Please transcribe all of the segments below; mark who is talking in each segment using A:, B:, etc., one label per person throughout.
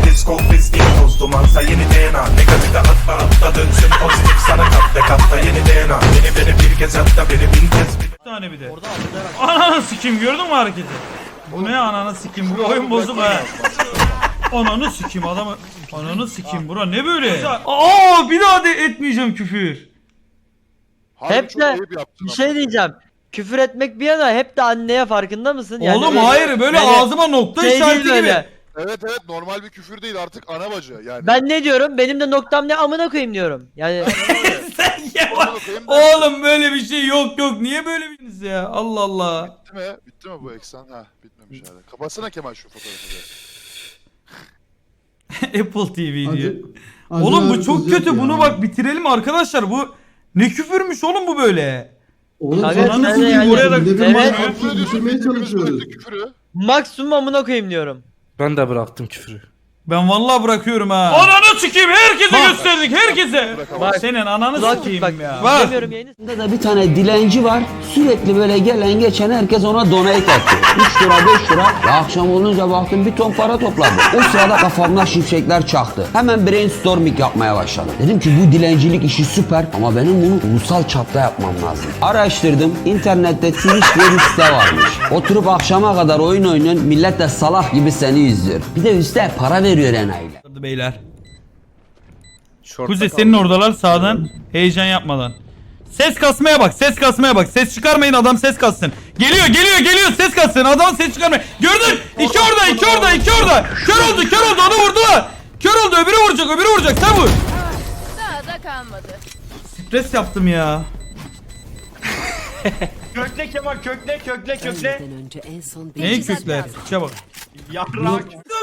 A: Biz konfis değil toz dumansa yeni DNA. Negatife atla dönsün pozitif sana katta yeni DNA. Beni bir kez hatta beni bin kez
B: Bir tane bir de. Ananı sikim, gördün mü hareketi? Bu ne ananı sikim, bu oyun bozuk ha. Ananı sikim adamı. Ananı sikim, bura ne böyle? Aa, bir daha de etmeyeceğim küfür.
C: Hep de bir şey diyeceğim. Küfür etmek bir yana hep de anneye farkında mısın? Yani
B: Oğlum hayır, böyle
C: yani
B: ağzıma nokta
C: şey
B: işareti
C: değil
B: gibi.
C: böyle.
D: Evet normal bir küfür değil artık ana bacı yani.
C: Ben ne diyorum? Benim de noktam ne amına koyayım diyorum. Yani
B: Sen ya.
D: Amına koyayım da-
B: Oğlum böyle bir şey yok niye böyle biriniz ya? Allah Allah.
D: Bitti mi? Bitti mi bu eksen? Ha bitmemiş hala. Kapatsana Kemal şu fotoğrafı da.
B: Apple TV diyor.
E: Hadi
B: Oğlum bu
E: abi,
B: çok
E: kız
B: kötü,
E: yok ya.
B: bunu bak bitirelim arkadaşlar, bu ne küfürmüş oğlum bu böyle.
E: Oğlum
C: Kanka,
E: sen
C: sen
E: nasıl
C: de
E: bir
C: yani-
B: Buraya da-
E: devir
C: Evet.
E: mantığı
D: Küfür ediyorsun,
E: düşürmeye
D: hepimiz
E: çalışıyoruz.
D: bıraktık küfürü.
C: maksimum amına koyayım diyorum.
F: Ben de bıraktım küfürü.
B: Ben vallahi bırakıyorum ha. Ananı sikeyim, herkese
C: Bak.
B: gösterdik, herkese.
D: Bırakamam.
B: Senin ananı
C: Kulak
B: sikeyim
C: bak.
B: ya.
C: Bak. Demiyorum yayını.
G: Burada da bir tane dilenci var. Sürekli böyle gelen geçen herkes ona donate atıyor. 3 lira 5 lira. Ya akşam olunca baktım bir ton para topladı. O sırada kafamda şimşekler çaktı. Hemen brainstorming yapmaya başladım. Dedim ki bu dilencilik işi süper ama benim bunu ulusal çapta yapmam lazım. Araştırdım. İnternette Twitch diye bir site varmış. Oturup akşama kadar oyun oynuyorsun. Millet de salak gibi seni izliyor. Bir de üstte para veriyor enayiler.
B: Beyler. Kuzey senin oradalar sağdan, heyecan yapmadan. Ses kasmaya bak, ses kasmaya bak. Ses çıkarmayın, adam ses kassın. Geliyor ses kassın. Adam ses çıkarmayın. Gördün? İki orada. Kör oldu, onu vurdular. Kör oldu, öbürü vuracak, sen vur.
H: Daha da kalmadı.
B: Stres yaptım ya.
I: Kökle Kemal, kökle.
H: Önce en son
B: Neyi kökler? Çabuk.
I: Yaprak.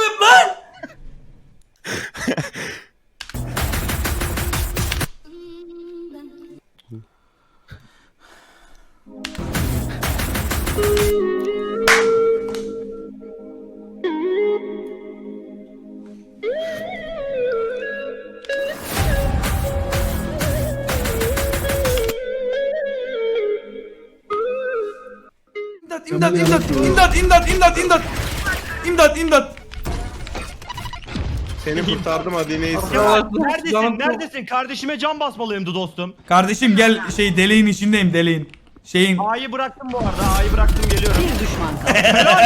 B: İmdat.
I: Seni kurtardım hadi neyse. Neredesin? Kardeşime can basmalıyımdı dostum.
B: Kardeşim gel, deliğin içindeyim, deliğin.
I: A'yı bıraktım bu arada. A'yı bıraktım geliyorum.
H: bir düşman kaldı.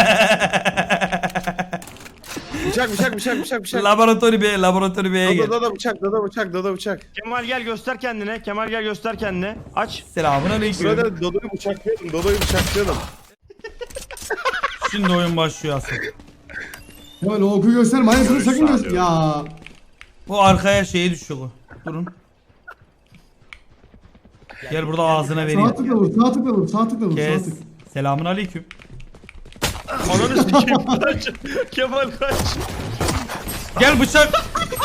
I: Bıçak.
B: Laboratuvar B'ye gel.
I: Dada bıçak. Kemal gel göster kendine. Aç.
B: Selamünaleyküm.
I: Dodo'yu bıçaklayalım.
B: Şimdi oyun başlıyor aslında.
E: Kemal o oku gösterme. Aynısını sakın göster. Ya.
B: Bu arkaya düşüyor bu. Durun. Gel burada ağzına
E: Sağ
B: vereyim.
E: tıkla vur. Sağ tıkla vur.
B: Kes. Selamünaleyküm.
I: Ananı sikeyim. Kaç. Kemal kaç.
B: Gel bıçak.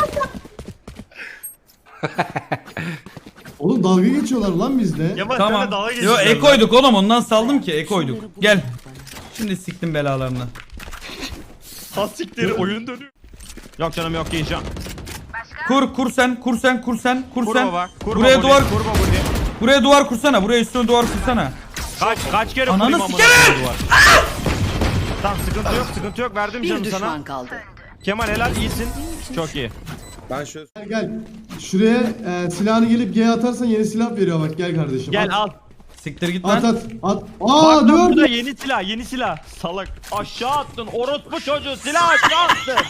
E: Oğlum dalga geçiyorlar lan bizde.
I: Kemal
B: Tamam.
I: sen de dalga
B: Yo
I: geçiyorsun.
B: ekoyduk oğlum, ondan saldım ki ekoyduk. Gel. Şimdi siktim belalarını.
I: Ha siktir oyun dönüyor. Yok canım yok yiyeceğim.
B: Kur sen.
I: Kur baba. Kur
B: Buraya
I: baba,
B: duvar.
I: Kur baba buraya.
B: Buraya duvar kursana. Buraya üstüne duvar kursana.
I: Kaç kere
B: Ananı
I: kurayım amına
B: sikerim!
I: koyayım duvar. Tamam sıkıntı yok verdim
H: Bir
I: canım
H: düşman
I: sana.
H: kaldı.
I: Kemal helal iyisin. Çok iyi.
E: Gel. Şuraya silahını gelip G'ye atarsan yeni silah veriyor bak. Gel kardeşim.
I: Gel
E: at.
I: al.
B: Siktir git
E: At
B: lan.
E: at. At.
I: Bak
E: Aa
I: lan
E: dur.
I: bu da yeni silah. Salak. Aşağı attın. Orospu çocuğu silah aşağı attın.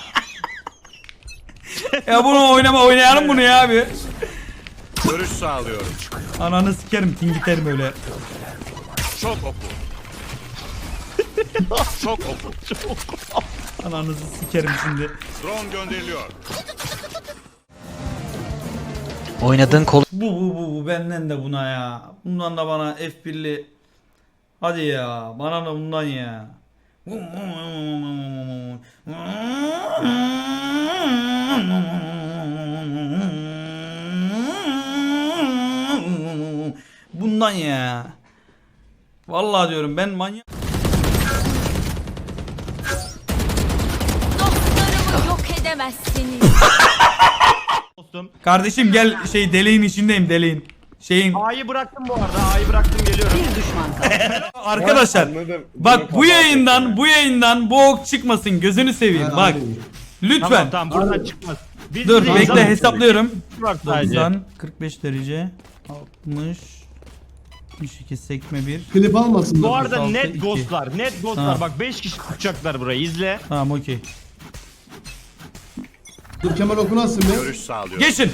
B: Ya bunu oynayalım bunu ya abi.
A: Görüş sağlıyorum.
B: Ananı sikerim, tingiterim öyle.
A: Çok oku. Çok oku.
B: Ananızı sikerim şimdi.
A: Drone gönderiliyor.
F: Oynadığın kol
B: Bu benden de buna ya. Bundan da bana F1'li. Hadi ya, bana da bundan ya. Bundan ya. Vallahi diyorum ben manyak.
H: Dostlarımı yok edemezsiniz.
I: Dostum.
B: Kardeşim gel, deliğin içindeyim, deliğin.
I: A'yı bıraktım bu arada. A'yı bıraktım geliyorum.
H: Bir düşman kaldı.
B: Arkadaşlar bak, bu yayından bu ok çıkmasın, gözünü seveyim
E: Ha,
B: bak.
E: aynen.
B: Lütfen.
I: Tamam buradan çıkmaz. Biz
B: Dur
I: bize
B: bekle
I: izah-
B: hesaplıyorum.
I: var sadece.
B: 90, 45 derece, 60, 62 sekme 1.
E: Klip almasın.
I: Bu
E: da.
I: arada
B: 36,
I: net
B: 2.
I: ghostlar. Net ghostlar.
B: Tamam.
I: Bak 5 kişi tutacaklar burayı. İzle.
B: Tamam okey.
E: Dur Kemal okunasın be.
D: Görüş sağlıyor.
B: Geçin.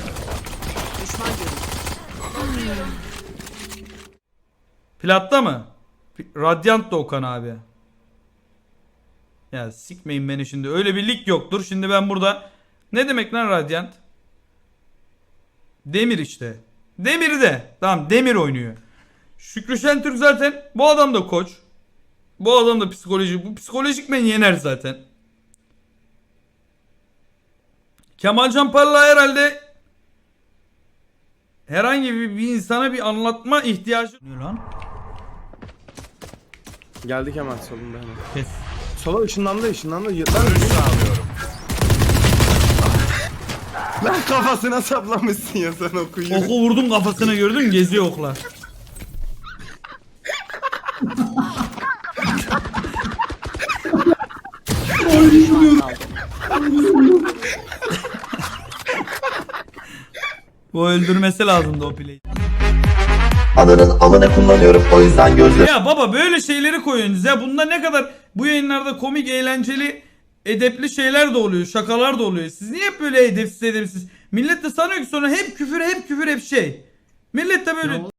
B: Platta mı? Radiant da Okan abi. Ya sikmeyin beni şimdi. Öyle bir lig yoktur. Şimdi ben burada... Ne demek lan Radiant? Demir işte. Demir de. Tamam Demir oynuyor. Şükrü Şentürk zaten. Bu adam da koç. Bu adam da psikoloji. Bu psikolojik beni yener zaten. Kemalcan Parlak herhalde herhangi bir insana bir anlatma ihtiyacı... Ne lan?
J: Geldik hemen solunda hemen.
B: Kes.
J: Sola ışınlandı.
D: Görüş sağlıyorum.
J: Lan kafasına saplamışsın ya sen okuyun.
B: Oku vurdum kafasına gördün mü? Geziyor oklar. Bu öldürmesi lazımdı o play'i.
A: Ananın amına kullanıyorum o yüzden gözle.
B: Ya baba böyle şeyleri koyuyorsunuz ya. Bunda ne kadar bu yayınlarda komik, eğlenceli, edepli şeyler de oluyor. Şakalar da oluyor. Siz niye hep böyle edepsiz? Millet de sanıyor ki sonra hep küfür hep şey. Millet de böyle